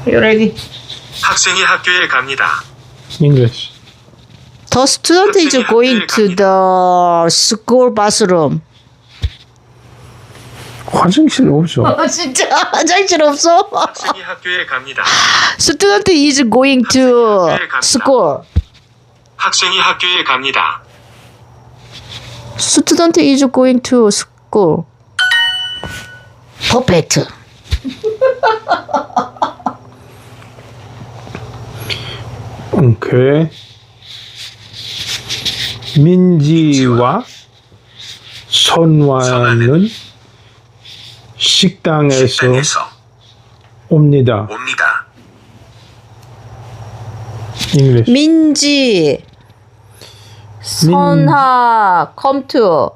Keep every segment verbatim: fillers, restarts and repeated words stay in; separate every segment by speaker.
Speaker 1: You ready?
Speaker 2: 학생이 학교에 갑니다.
Speaker 3: English.
Speaker 1: The student is going to the school bathroom.
Speaker 3: 화장실 없어.
Speaker 1: 어, 진짜 화장실 없어?
Speaker 2: 학생이 학교에 갑니다.
Speaker 1: Student is going to school.
Speaker 2: 학생이 학교에 갑니다.
Speaker 1: Student is going to school. Perfect.
Speaker 3: 오케이. 민지와 선화는 식당에서
Speaker 2: 식당에서
Speaker 3: 옵니다.
Speaker 2: 옵니다.
Speaker 3: English.
Speaker 1: 민지, 선하, come to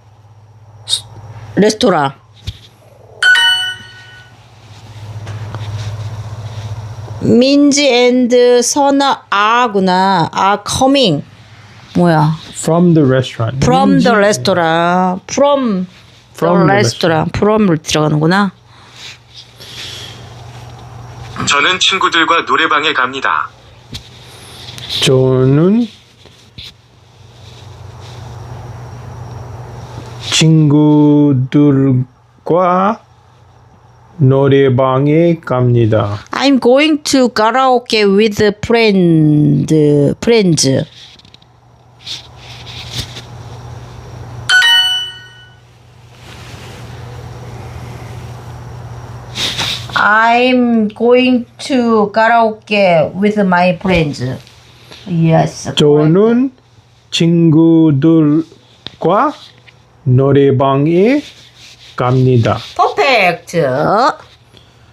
Speaker 1: 레스토랑. 민지 and 선하 are구나. are coming. 뭐야?
Speaker 3: From the restaurant.
Speaker 1: From
Speaker 3: 민지,
Speaker 1: the restaurant. From,
Speaker 3: From
Speaker 1: the
Speaker 3: the
Speaker 1: restaurant. From을 들어가는구나.
Speaker 2: 저는 친구들과 노래방에 갑니다.
Speaker 3: 저는 친구들과 노래방에 갑니다.
Speaker 1: I'm going to karaoke with friend, friends. I'm going to karaoke with my friends. Yes.
Speaker 3: 저는 친구들과 노래방에 갑니다.
Speaker 1: Perfect.